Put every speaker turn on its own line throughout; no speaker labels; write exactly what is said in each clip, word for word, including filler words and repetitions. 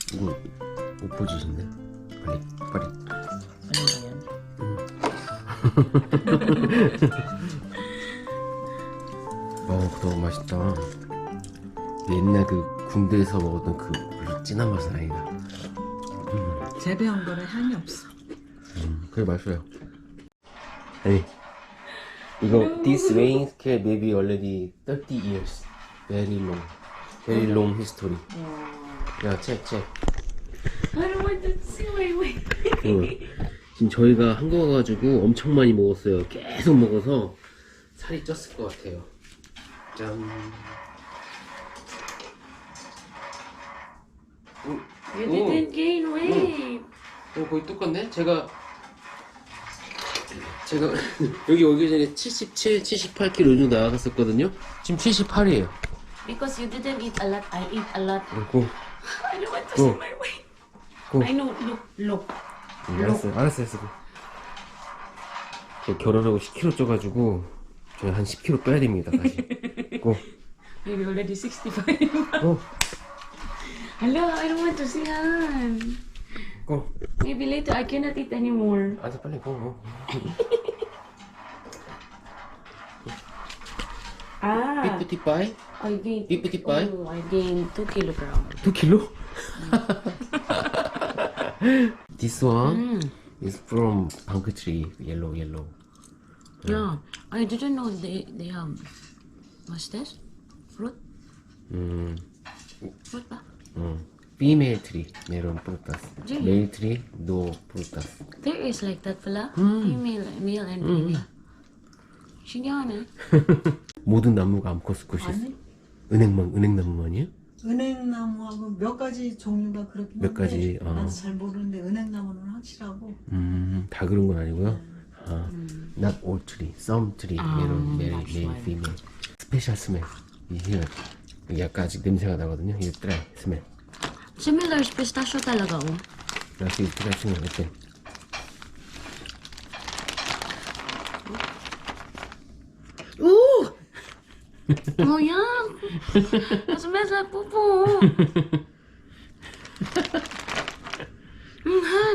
이거 오포지신데? 빨리 빨리. 어, 그거 맛있다. 옛날 그 군대에서 먹었던 그 별로 진한 맛은 아니다. 음.
재배한 거는 향이 없어.
음, 그게 맛있어요. 아니, 이거 this rain scale maybe already thirty years. Very long, very long history. 야, check, check.
I don't want to see. Wait, wait.
어, 지금 저희가 한국 와가지고 엄청 많이 먹었어요. 계속 먹어서 살이 쪘을 것 같아요. 짠. 오,
You
오,
didn't gain weight.
어, 거의 똑같네? 제가 제가 여기 오기 전에 칠십칠, 칠십팔 킬로그램 정도 나갔었거든요. 지금 칠십팔이에요.
Because you didn't eat a lot. I eat a lot.
고.
I don't want to
Go.
see my weight.
고.
I know. Look, look.
알았어, 알았어, 알았어. 저 결혼하고 십 킬로그램 쪄가지고 저희 한 십 킬로그램 빼야 됩니다. 다시. 고.
Maybe already sixty-five.
고.
Hello, I don't want to see Han.
고.
Maybe later I cannot eat anymore.
알았어, 빨리 고.
Ah,
삐뿌티빠이?
I gained.
삐뿌티빠이?
Oh, I gained two kilograms.
두 킬로? This one
Mm.
is from bank tree, yellow, yellow.
Yeah, I didn't know they they have. What's this? Fruit?
음,
Fruit ba?
음. Female tree, meron frutas.
Really?
Male tree, no frutas.
There is like that pala. Female, male and female. 신기하네.
모든 나무가 암컷 꽃이 있어.
아니,
은행만, 은행나무만이에요?
은행나무하고 몇 가지 종류가 그렇긴 한데
몇 가지, 어.
나도 잘 모르는데 은행나무는 확실하고.
음, 다 그런 건 아니고요. 아, not all tree, some tree, meron, male, male, female. 스페셜 스멜. 이게 약간 아직 냄새가 나거든요. 이게 드라이 스멜.
Similar pistachio talaga, oh.
그래서 이 드라이 스멜 어때?
Ooh! Oh, yeah. It smells like poo-poo. Mm, Han.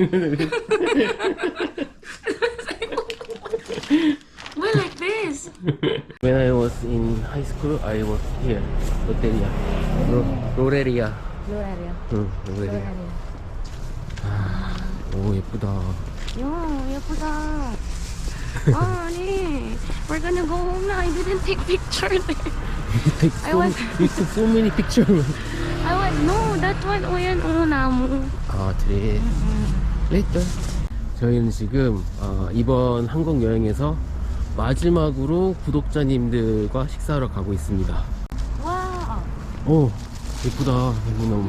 Why like this?
When I was in high school, I was here, Loteria, 로, 로레리아.
Loreria.
응, 로레리아. 오, 예쁘다.
Yo, 예쁘다. Honey, we're gonna go home now. I didn't take picture there.
You took
I
so,
was-
you took so many pictures.
I was, no, that one, oh yan, oh, namu.
아, 그래. Later. 저희는 지금 어, 이번 한국 여행에서 마지막으로 구독자님들과 식사하러 가고 있습니다.
Wow.
오, 예쁘다. 너무.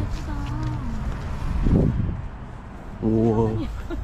우와.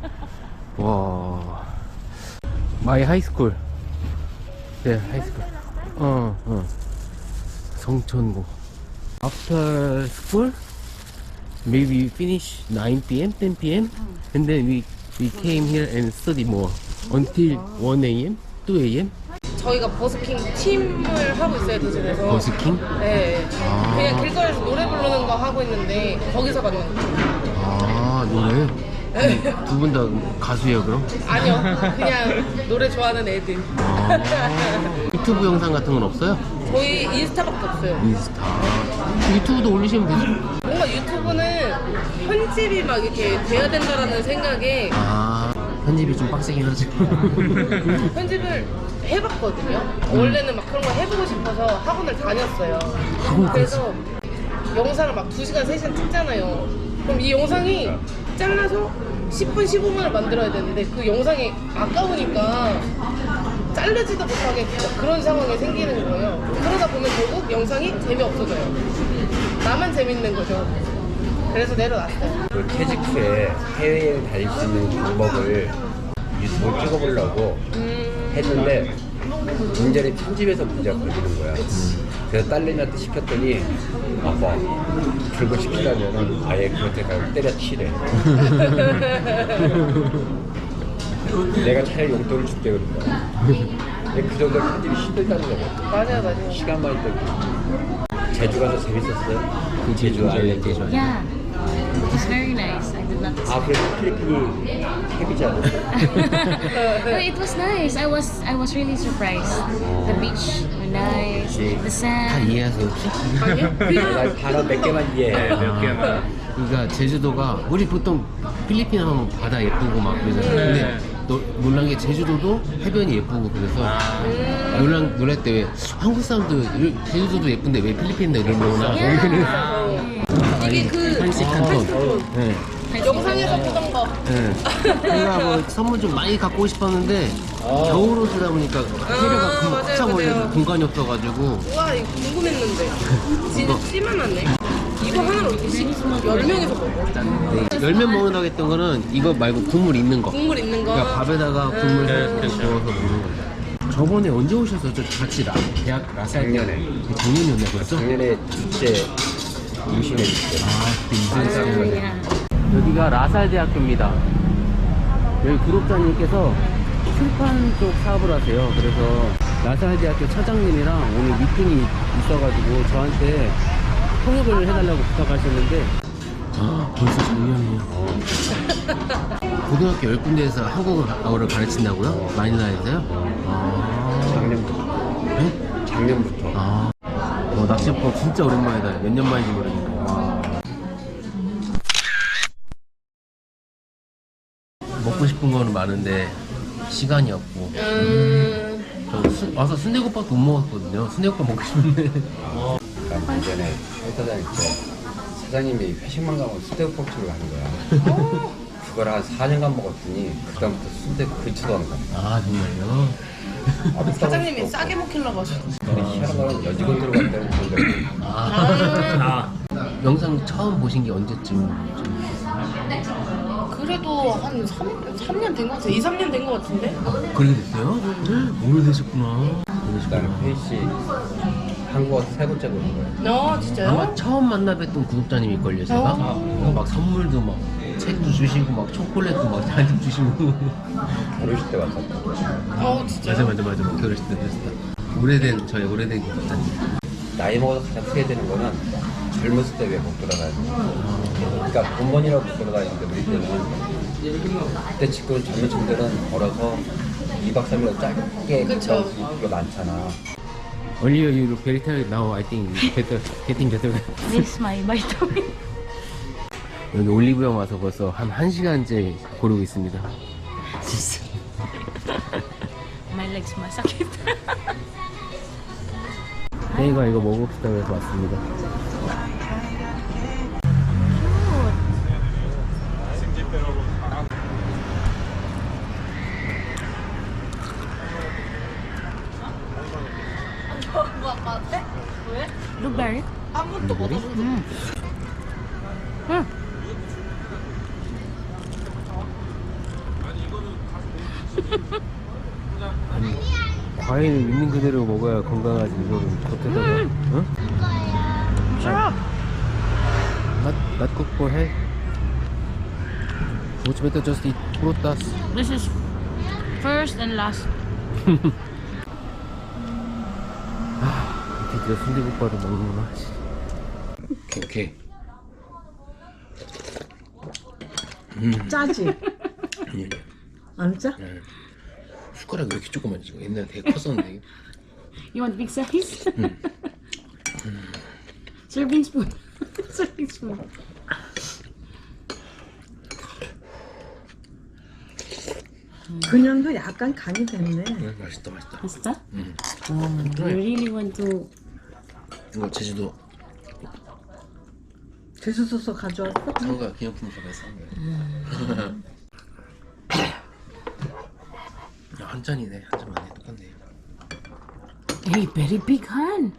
와. 마이 하이스쿨. 네, 하이스쿨. 어, 어. 성천고. After school, maybe we finish nine p m, ten p m, and then we we came here and study more until one a m, two a m.
저희가 버스킹 팀을 하고 있어요, 도심에서.
버스킹?
네.
아.
그냥 길거리에서 노래 부르는 거 하고 있는데 거기서 받는 거.
아, 노래. 두 분 다 가수예요, 그럼?
아니요, 그냥 노래 좋아하는 애들.
아, 유튜브 영상 같은 건 없어요?
저희 인스타밖에 없어요.
인스타. 유튜브도 올리시면 되죠?
뭔가 유튜브는 편집이 막 이렇게 돼야 된다라는 생각에
아, 편집이 좀 빡세긴 하죠.
편집을 해봤거든요. 원래는 막 그런 거 해보고 싶어서 학원을 다녔어요.
학원까지?
그래서 영상을 막 두 시간, 세 시간 찍잖아요. 그럼 이 영상이 잘라서 십 분, 십오 분을 만들어야 되는데 그 영상이 아까우니까 자르지도 못하게 그런 상황이 생기는 거예요. 그러다 보면 결국 영상이 재미없어져요. 나만 재밌는 거죠. 그래서 내려놨어요.
그 캐직후에 해외여행 다닐 수 있는 방법을 유튜브를 찍어보려고
음,
했는데 문제는 편집에서 문제가 걸리는 거야. 그래서 딸내미한테 시켰더니 아빠 그거 시키려면 아예 그렇게 가서 때려치래. 내가 차라리 용돈을 줄게 그런 거야. 근데 그 정도 편집이 힘들다는 거거든.
맞아요, 맞아요.
시간만 있던 제주 가서 재밌었어요?
그 제주 알래, 제주 알래.
Yeah. was very nice. I did not
아
expect.
그래도 필리핀이 헤비잖아.
But it was nice. I was I was really surprised. The beach were nice. The
다
sand.
이해하세요 혹시?
아니요? 그냥
나 단어 몇 개만 이해해.
몇 개만. 그러니까 제주도가 우리 보통 필리핀 하면 바다 예쁘고 막 그러잖아요. 근데 너, 놀란 게 제주도도 해변이 예쁘고 그래서 놀란 놀랄 때 왜 한국 사람도 이- 제주도도 예쁜데 왜 필리핀인데 이러려나
Yeah.
이게 그
한식 한톤. 네.
영상에서 보던 거.
네. 제가 뭐 선물 좀 많이 갖고 싶었는데 겨울 옷이다 보니까 해려가 금방
맞아요,
꽉차 몰려서
맞아요.
공간이 없어가지고
우와 이거 궁금했는데 진짜 찌만하네. 이거 하나로 열 명이서 먹어.
열면 먹는다고 했던 거는 이거 말고 국물 있는 거.
국물 있는 거.
그러니까 밥에다가 국물 살짝 넣어서 먹는 거죠. 저번에 언제 오셨었죠? 같이 라, 대학 라살
작년에.
작년이었나 벌써?
작년에 둘째 임신했을 때.
아, 그때 인생
Yeah.
여기가 라살 대학교입니다. 여기 구독자님께서 출판 쪽 사업을 하세요. 그래서 라살 대학교 차장님이랑 오늘 미팅이 있어가지고 저한테 통역을 해달라고 부탁하셨는데 아 벌써 작년이에요. 고등학교 열 군데에서 한국어를 가르친다고요? 마닐라에서요? 아,
작년부터.
네?
작년부터.
아, 어, 낚시법 진짜 오랜만이다. 몇 년 만인지 모르겠네. 와. 먹고 싶은 거는 많은데 시간이 없고.
음.
저 수, 와서 순대국밥도 못 먹었거든요. 순대국밥 먹고 싶은데.
난 예전에 회사 다닐 때 사장님이 회식만 가면 순대국밥집을 가는 거야. 그걸 한 사 년간 먹었더니 그다음부터 순대 근처도 안 가.
아 정말요?
아,
사장님이 싸게 먹히려고 하셨어.
근데 희한한 거는 여직원들 간다는 건데
아, 영상 처음 보신 게 언제쯤?
그래도 한 삼 년 된 것 같아. 이, 삼 년 된 것 같은데?
그렇게 됐어요? 오래되셨구나.
일단
오래되셨구나.
회의 씨 한국어 세 번째 보는 거예요.
어, 진짜요?
아마 처음 만나 뵀던 구독자님일걸요, 제가?
어.
막 선물도 막 책도 주시고 막 초콜릿도 막 잔뜩 주시고.
결혼식 때 왔었다.
어, 진짜요?
맞아 맞아 맞아. 막 결혼식 때 됐다. 오래된 저의 오래된 구독자님.
나이 먹어서 가장 크게 되는 거는 젊었을 때 왜 못 돌아다니는 그러니까 본번이라고 못 돌아다니는데 우리 때는 그때 지금 젊은 친구들은 걸어서 이 박 삼 일 짧게
그쵸.
갔다 올수 있는 게 많잖아.
Earlier you look very tired. Now I think better, getting better.
This is my vitamin.
여기 올리브영 와서 벌써 한 1시간째 고르고 있습니다.
My legs masakit.
혜이가 이거 먹읍시다 그래서 왔습니다.
Blueberry.
아무것도 못 얻어서.
음. 음.
과일을 있는 그대로 먹어야 건강하지. 이거를 겉에다가 응?
Sarap.
Not, not cook for health. Much better just eat frutas.
This is first and last.
드디어 순대국밥을 먹는구나. 오케이 오케이.
짜지?
아니, 아니.
안 짜?
숟가락이 왜 이렇게 조그만지? 옛날에 되게 컸었는데.
You want big size? Serving spoon. Serving spoon.
그냥도 약간 간이 됐네.
음, 맛있다 맛있다.
Basta? Oh, you really want to.
이거 제주도
제주도서 가져왔어?
상가 기념품 샵에서 산 거야. 야, 한 잔이네. 한 잔 많네. 똑같네.
Hey, very big hand.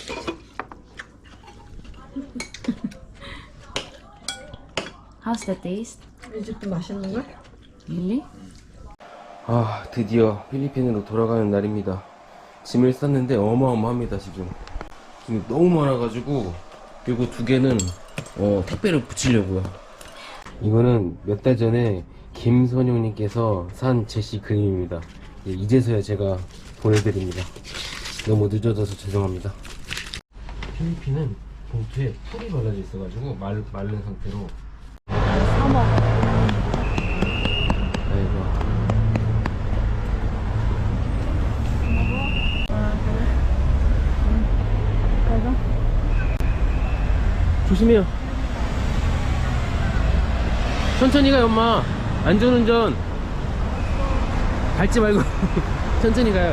How's the taste?
이 집도 맛있는 걸?
Really?
아, 드디어 필리핀으로 돌아가는 날입니다. 짐을 쌌는데 어마어마합니다, 지금. 지금 너무 많아가지고, 이거 두 개는, 어, 택배를 붙이려고요. 이거는 몇 달 전에 김선용님께서 산 제시 그림입니다. 예, 이제서야 제가 보내드립니다. 너무 늦어져서 죄송합니다. 필리핀은 봉투에 풀이 발라져 있어가지고 말, 마른 상태로
어머.
아이고. 조심해요. 천천히 가요, 엄마. 안전운전. 밟지 말고 천천히 가요.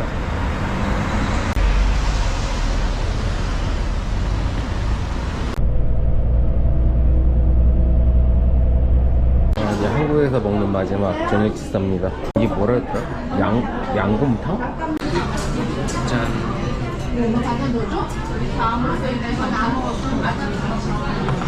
아, 이제 한국에서 먹는 마지막 저녁 식사입니다. 이게 뭐라 했더라? 양, 양곰탕? 짠.